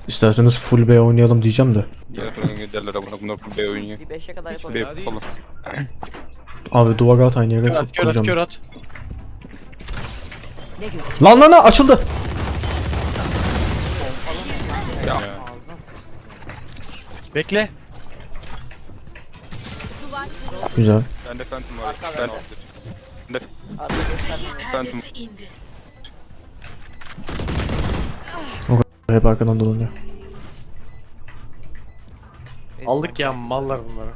İsterseniz full B oynayalım diyeceğim de. Derler abone bunlar full B oynuyor. Bir 5'e kadar Hiç yapalım. B falan. Abi duvar at aynı yere Kör at, kör at, kuracağım. kör at. Ne gibi? Lan açıldı. Ya. Bekle. Güzel. Bende Phantom var. Bende Arka göstermiyor. Phantom. Hep arkadan dolanıyor. Aldık ya mallar bunları.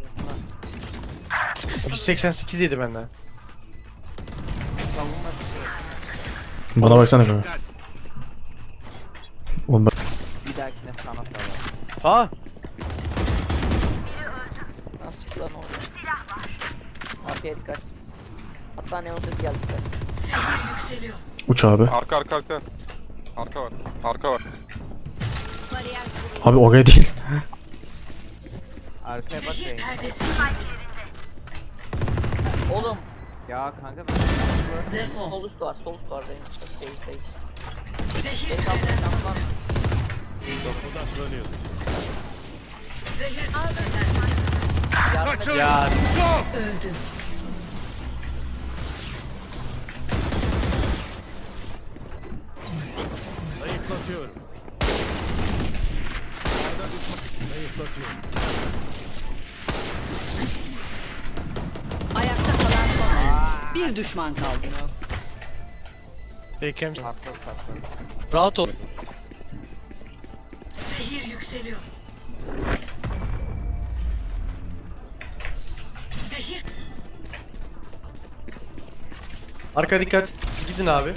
188 yedi benden. Bana baksana kanka. Oğlum ben... Bir dahakine sana sarar. Aa! Nasıl çıktı lan orada? Arkaya dikkat. Hatta neon sesi geldi. Uç abi. Arka. Arka var. Arka var. Abi oraya değil. Arkaya bak ya. Oğlum. Ya kanka ben... Sol üst var, sol üst var benim. Şey. Geri kaldı, kaldı. Yardım et. Ya Ayakta kalan son oyuncu. Bir düşman kaldı. Bekem Haklı. rahat ol. Arka dikkat. Siz gidin abi.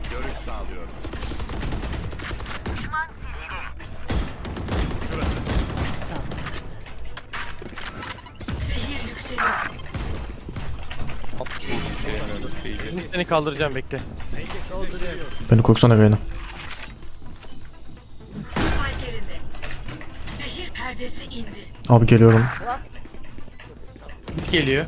Atmış vurdum şey yani öyle şeyi. Şimdi seni kaldıracağım bekle. Beni korksana Reyna. Abi geliyorum. Git geliyor.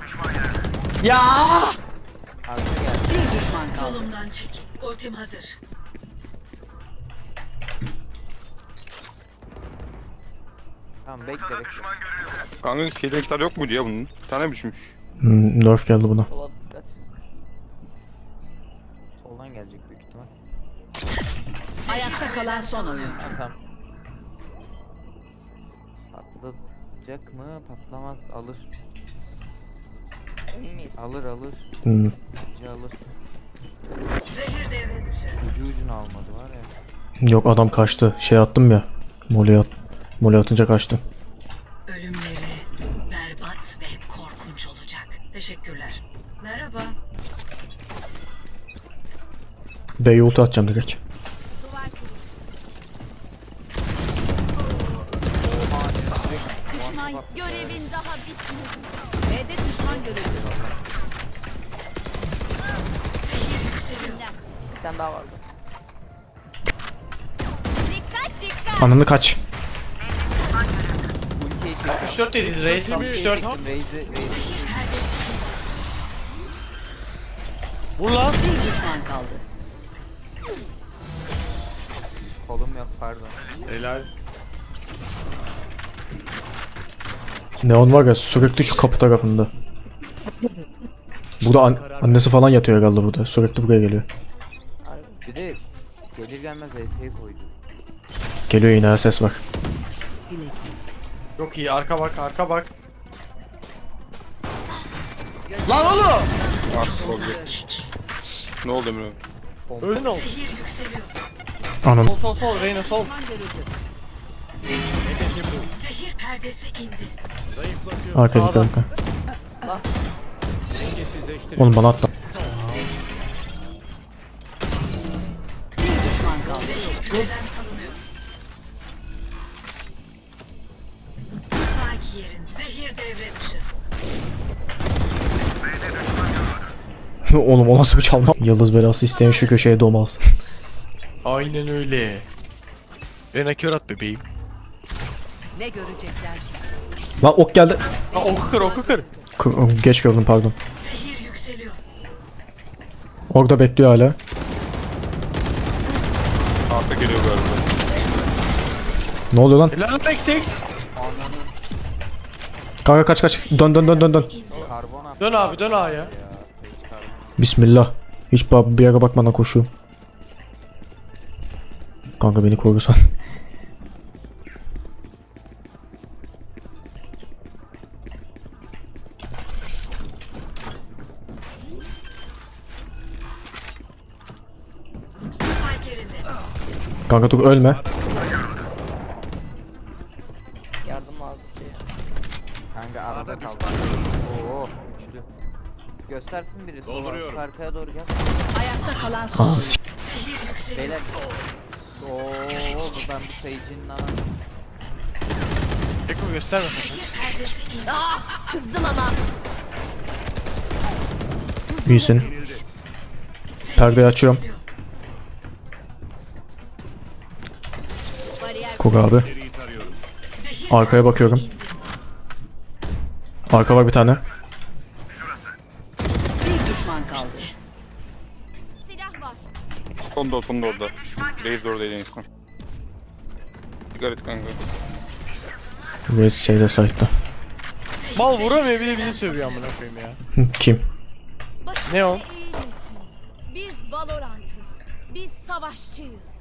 Arkaya geldi. Bir düşman kaldı. Yolumdan çekil. Ultim hazır. Tamam bekle. Kanka şeyde miktar yok muydu ya bunun? Bir tane düşmüş. Nerf geldi buna. Sola dikkat. Soldan gelecek büyük ihtimal. Ayakta kalan son oyuncu. Ha tamam. Patlayacak mı? Patlamaz. Alır. Emin miyiz? Alır. Bence alır. Zehir devre dışı. Ucuna almadı var ya. Yok adam kaçtı. Şey attım ya. Mole atınca kaçtı. Ölümleri berbat ve korkunç olacak. Teşekkürler. Merhaba. B'ye ulti atacağım direkt. Düşman görevin daha bitmedi. B'de düşman görüldü. Bir tane daha vardı. Ananı kaç. Ultiye çektim. 64 dediz reis. 64. Raze'i Vur lan. Bir düşman kaldı. kolum yok pardon. Helal. Neon var ya sürekli şu kapı tarafında. Burada annesi falan yatıyor herhalde burada. Sürekli buraya geliyor. Harbi. Bir de gelir gelmez Raze'i koydu. Geliyor yine ses var. Çok iyi. Arka bak, arka bak. Lan oğlum! Arka olacak. Ne oldu Emre? Öldün oğlum. Anam. Sol Reyna sol. Düşman görüldü. Zehir perdesi indi. Arka Sağda. dikkat. Oğlum bana atla. Bir düşman kaldı. Küreden salınıyor. Spike yerin. Zehir devre dışı. Oğlum o nasıl bir çalma? Yıldız belası isteyen şu köşeye doğmaz. Aynen öyle. Reyna kör at bebeğim. Ne görecekler ki? Lan ok geldi. Ha oku kır, oku kır. Geç gördüm pardon. Zehir yükseliyor. Orada bekliyor hala. Arka geliyor galiba. Ne oluyor lan? Helal X. Kanka kaç. Dön. Karbon attı. Dön abi dön A'ya. Bismillah. Hiç bir yere bakmadan koşuyorum. Kanka beni korusan. Spike yerinde. Kanka dur ölme. Yardım lazım şey. Kanka arada kaldı. Oo üçlü. Göstersin biri. Dolduruyorum. Arkaya doğru gel. Ayakta kalan son. Aa, Beyler. Oo buradan bir Sage'in ana. Eko gösterme sakın. Kızdım ama. iyisin. Perdeyi açıyorum. Bariyer Koru abi. Arkaya bakıyorum. Arka var bir tane. bir düşman kaldı. Silah var. Sonda orada. Reis de oradaydı en son. Dikkat et kanka. Reis şeyde site'da. Mal vuramıyor bile bizi sövüyor amına koyayım ya. Kim? Ne o? Eğilmesin. Biz Valorant'ız. Biz savaşçıyız.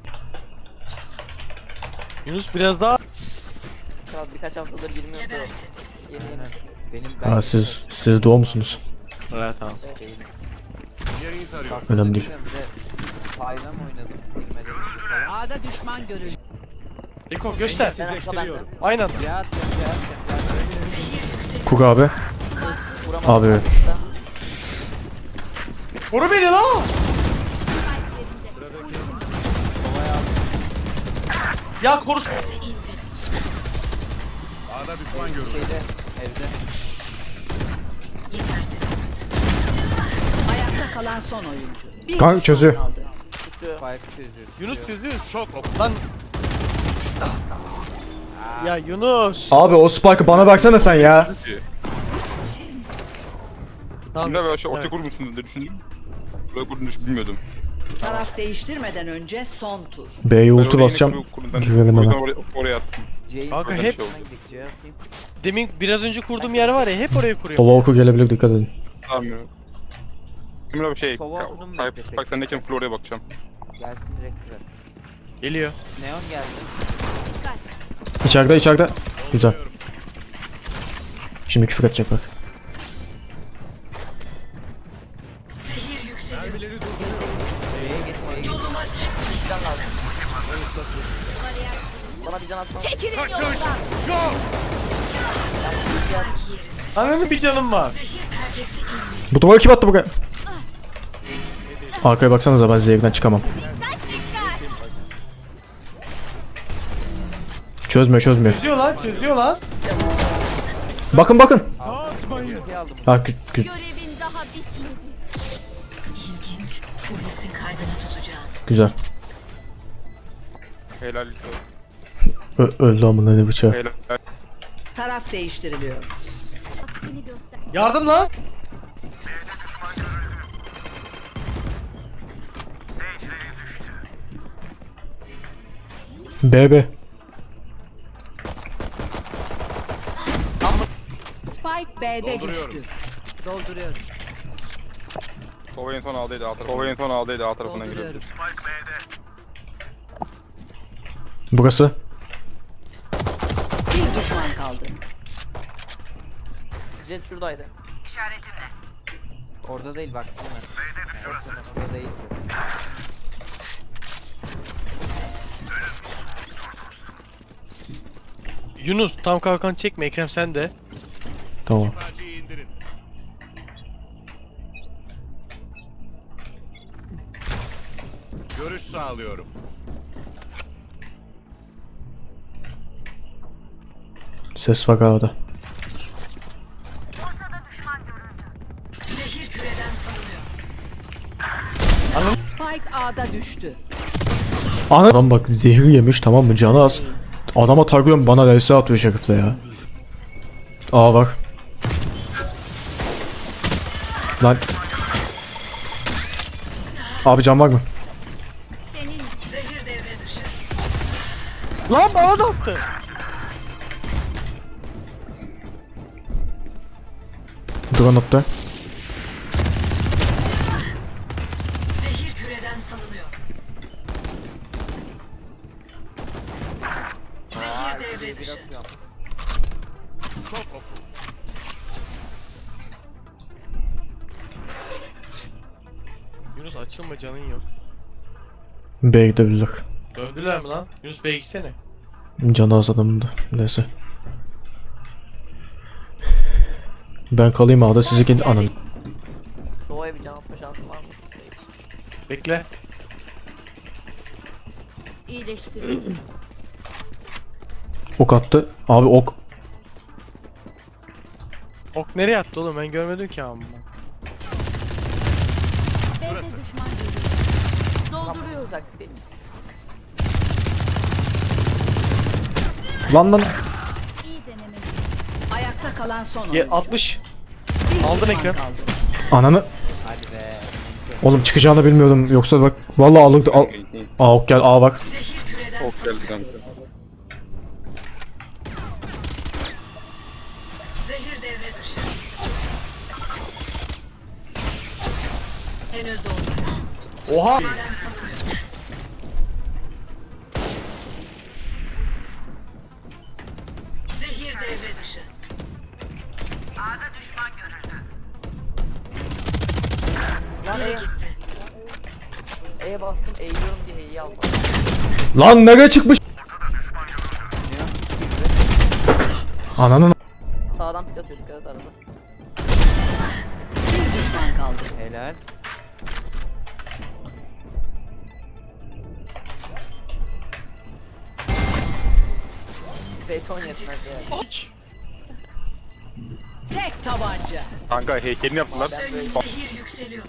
Yunus biraz daha. Kral birkaç haftadır girmiyordu. Gebersin. Yeni. Benim Aa, siz doğu musunuz? Evet tamam. Önemli değil. Bir de Payla mı oynadım? Bilmeden önce falan. A'da düşman görüldü. Eko göster. Ben akla bende. Aynı anda. Ya Koru abi. vuramadım. Abi. Koru beni lan. Ya koru. Şeyde evde. Yetersiz. Ayakta kalan son oyuncu. Bir Kanka düşman çözüyor. kaldı. Tutuyor. Spike çözüyor. Yunus çözüyor. Çok lan. Ya Yunus. Abi o spike'ı bana versene sen ya. Tamam. Şimdi ben şey ortaya kurmuşsunuz diye düşündüm. Buraya kurduğunu bilmiyordum. Taraf değiştirmeden önce son tur. B'ye Ben ulti oraya basacağım. yine kurdum. Girelim Oradan hemen. oraya attım. Jane Kanka buradan hep- şey oldu. Gidecek, atayım. Demin biraz önce kurduğum yer var ya hep oraya kuruyorum. Sola oku gelebilir, dikkat edin. Tamam ya. Şimdi abi şey, Sova okudum mu Type beklesek? Spike sendeyken Flora'ya bakacağım. Gelsin direkt kırar. Geliyor. Neon geldi. İçeride. Güzel. Şimdi küfür edecek bak. Zehir yükseliyor. B'ye geçmeye gidiyor. Yoluma çık. Can lazım. Bana bir can atsana. Çekilin yoldan. Ananın bir canım var. Perdesi indi. Bu duvarı kim attı buraya? Arkaya baksanıza, ben zevkten çıkamam. Çözmüyor. Çözüyor lan. Bakın. Ultiyi aldım. Ha, Görevin daha bitmedi. İlginç. Polisin kaydını tutacağım. güzel. Helal. Öldü amına ne bıçağı. Helal. Taraf değiştiriliyor. Aksini göster. Yardım lan. BB. Spike B'de düştü. Dolduruyorum. Sova en son aldıydı A tarafından giriyordu. Dolduruyorum. Burası. Bir düşman kaldı. Jet şuradaydı. İşaretimle. Orada değil bak. Orada değil. Yunus tam kalkan çekme Ekrem sen de. Tamam. Görüş sağlıyorum. Ses var havada. Zehir küreden salınıyor. Spike A'da düştü. Adam bak zehir yemiş, tamam mı, canı az. Adama takıyorum, bana vs atıyor şerifle ya. Aa bak. Lan. Abi can var mı? Senin için. Zehir devre dışı. Lan bana da attı. Drone attı. Zehir küreden salınıyor. Zehir devre Bir dışı. atıyorum. Yunus açılma, canın yok. B'ye gidebilirler. Döndüler mi lan? Yunus B'ye gitsene. Canı az adamın da. Neyse. Ben kalayım A'da, sizi kendi anın. Sova'ya bir can atma şansı var mı? Bekle. İyileştiriyorum. Ok attı. Abi ok. Ok nereye attı oğlum, ben görmedim ki amma. B'de düşman görüyorum. Dolduruyorum. Uzak değil mi? Lan lan. İyi deneme. Ayakta kalan son Ye oyuncu. 60. Bir aldın düşman ekran. kaldı. Ananı. Hadi be. Oğlum çıkacağını bilmiyordum. Yoksa bak. Vallahi alırdı. Al. Aa ok gel. Aa bak. Zehir küreden Ok geldi kanka. Zehir devre dışı. Henüz dolmadı. Oha. Küreden salınıyor. Zehir devre dışı. Lan Biri E'ye gitti. bastım eğiliyorum diye E'yi almadım. Lan nereye çıkmış? Ananın. Sağdan pit atıyor dikkat et arada. Bir düşman kaldı. Helal. Beton yetmez ya. Tek tabanca. Kanka heykelini yaptılar. Zehir yükseliyor.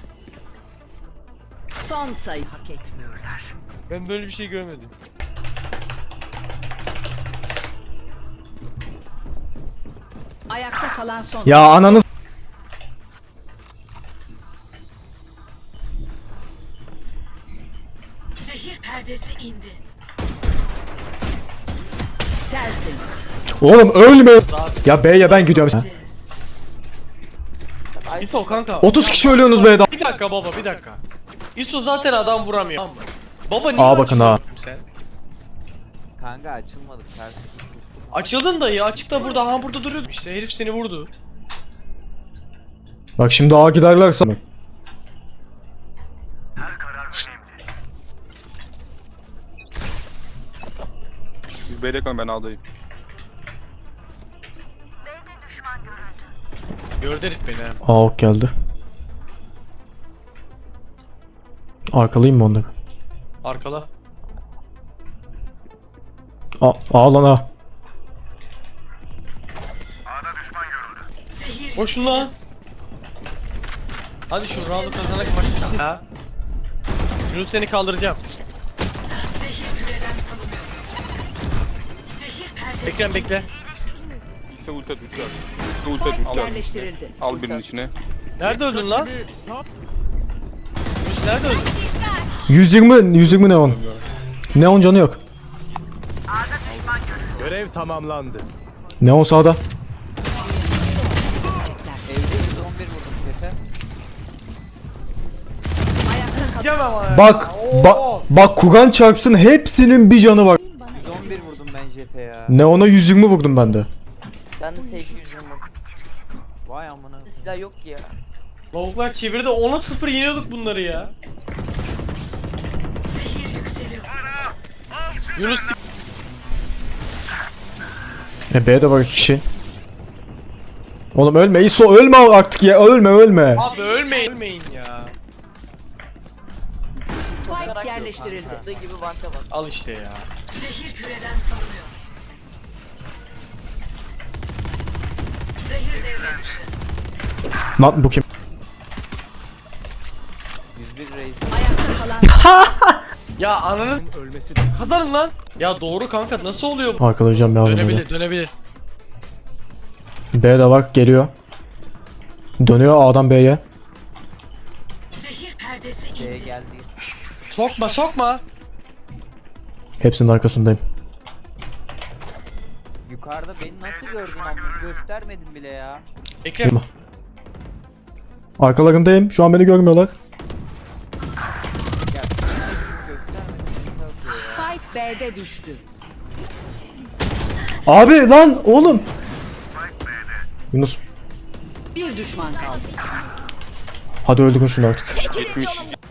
Son sayı hak etmiyorlar. Ben böyle bir şey görmedim. Ayakta kalan son. Ya ananı. Zehir perdesi indi. Tersin. Oğlum ölme. Ya B'ye ben gidiyorum. İso kanka. 30 kişi ölüyorsunuz B'de. Bir dakika baba, bir dakika. İso zaten adam vuramıyor. Baba niye Aa, bakın ha. açıyorsun sen? Kanka açılmadı. Ters. Açıldın dayı, açıkta burada, ha burada duruyordu işte, herif seni vurdu. Bak şimdi A giderlerse. Siz B'de kalın, ben A'dayım. Gördü herif beni ha. Aa ok geldi. Arkalayayım mı onları? Arkala. A lan A. Koşun lan. Hadi şu roundu kazanak maç bitsin. Ha. Yunus seni kaldıracağım. Zehir küreden salınıyor. Zehir perdesi. Ekrem bekle. İşte ulti at, ulti at. İşte ulti at, Spike ulti at. yerleştirildi. Al birinin içine. Nerede öldün lan? Yunus nerede öldün? 120 neon. Neon canı yok. Görev tamamlandı. Neon sağda. Evde 111 vurdum kefe. Ayakta kalan. Bak Kur'an çarpsın hepsinin bir canı var. 111 vurdum ben JT ya. Neon'a 120 vurdum ben de. Ben de sevgi yüzüm vurdum. Vay amına. Silah yok ki ya. Lavuklar çevirdi, 10'a 0 yeniyorduk bunları ya. Zehir yükseliyor. Yunus B'de var 2 kişi. Oğlum ölme İso, ölme artık ya, ölme. abi ölmeyin, ölmeyin ya. Spike yerleştirildi. Attığı gibi banka bak. Al işte ya. Zehir küreden salınıyor. Zehir devre dışı. Lan bu kim? 101 reis. Ayakta kalan. Ya ananı Ölmesi kazanın lan. Ya doğru kanka, nasıl oluyor bu? Arkalayacağım ya. Dönebilir. B'de var, geliyor. Dönüyor A'dan B'ye. Zehir perdesi B'ye indi. geldi. Sokma. Hepsinin arkasındayım. Yukarıda beni nasıl gördün ama göstermedin bile ya. Ekrem. Arkalarındayım. Şu an beni görmüyorlar. Ya göstermedin. Spike B'de düştü. Abi lan oğlum. Yunus. Bir düşman kaldı. Hadi öldürün şunu artık. Gitmiş.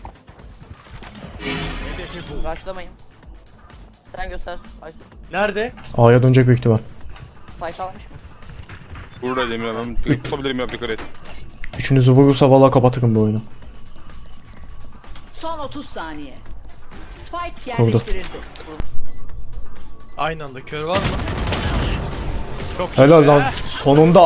Başlamayın. Sen göster. Ay, Nerede? A'ya dönecek büyük ihtimal. spike almış mı? Burada Emir abi. Tutabilirim ya, dikkat et. Üçünüzü vurursa vallahi kapatırım bu oyunu. Son 30 saniye. Spike Oldu. yerleştirildi. Aynı anda kör var mı? Çok iyi Helal be. lan. Sonunda